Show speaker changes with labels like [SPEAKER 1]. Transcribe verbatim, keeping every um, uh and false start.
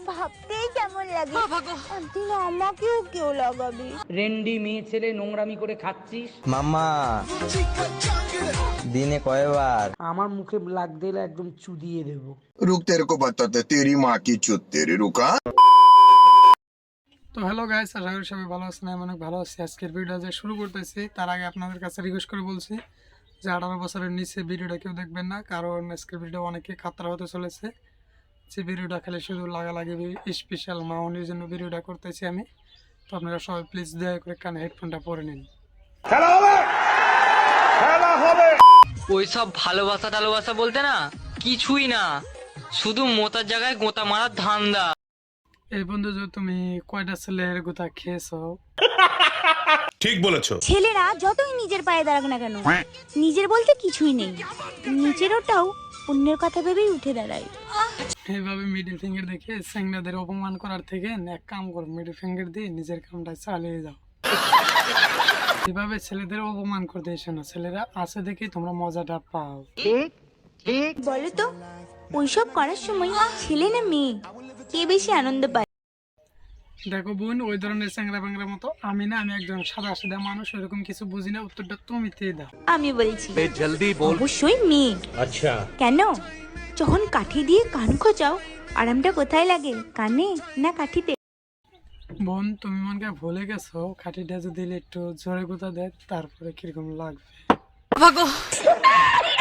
[SPEAKER 1] ভাবতেই কেমন লাগে। একদিন আমাকেও কেউ লাগাবি।
[SPEAKER 2] রেন্ডি মেয়ে ছেলে নোংরামি করে খাচ্ছিস।
[SPEAKER 3] মামা দিনে কয়বার?
[SPEAKER 2] আমার মুখে লাগতে এলে একদম চুদিয়ে দেবো।
[SPEAKER 4] रुक तेरे को बताते तेरी माँ की चुत तेरी रुका।
[SPEAKER 5] তো হ্যালো গাইস, আশা করি সবাই ভালো আছেন। আমি অনেক ভালো আছি। আজকের ভিডিওটা যে শুরু করতেছি তার আগে আপনাদের কাছে রিকোয়েস্ট করে বলছি যে আঠারো বছরের নিচে ভিডিওটা কেউ দেখবেন না, কারণ আজকের ভিডিও অনেকে খাতরা হতে চলেছে। যে ভিডিওটা খেলে শুধু লাগালাগি স্পেশাল মাউনির জন্য ভিডিওটা করতেছি আমি। তো আপনারা সবাই প্লিজ দয়া করে কানে হেডফোনটা পরে নিন।
[SPEAKER 6] ওইসব ভালোবাসা টালোবাসা বলতে না কিছুই না, শুধু মোতার জায়গায় গোতা মারার ধান্দা।
[SPEAKER 5] এই বন্ধু, যে তুমি কয়টা ছেলের গোতা খেয়েছো?
[SPEAKER 7] ঠিক বলেছো।
[SPEAKER 1] ছেলেরা যতই নিজের পায়ে দাঁড়াক না কেন, নিজের বলতে কিছুই নেই। নিজের ওটাও অন্যের কথা ভেবেই উঠে দাঁড়ায়।
[SPEAKER 5] এইভাবে মিডিল ফিঙ্গার দেখে স্যাংনাদের অপমান করার থেকে এক কাম করো, মিডিল ফিঙ্গার দিয়ে নিজের কামটা চালিয়ে যাও। এভাবে ছেলেদের অপমান করতে এসো না, ছেলেরা আছে দেখেই তোমরা মজাটা পাও।
[SPEAKER 1] বলো তো, ওইসব করার সময় ছেলে না মেয়ে কে বেশি আনন্দ পায়?
[SPEAKER 5] দেখো বোন, ওই ধরনের চ্যাংরা ব্যাংরা মতো আমি না, আমি একজন সাদা সাদা মানুষ, ওইরকম কিছু বুঝি না। উত্তরটা তুমি দিয়ে দাও।
[SPEAKER 1] আমি বলছি অবশ্যই মেয়ে। আচ্ছা, কেন? যখন কাঠি দিয়ে কান খোঁচাও, আরামটা কোথায় লাগে, কানে না কাঠিতে?
[SPEAKER 5] বোন, তুমি মনকে ভুলে গেছো, খাটিটা যদি একটু জোরে গোতা দেয় তারপরে কিরকম লাগবে।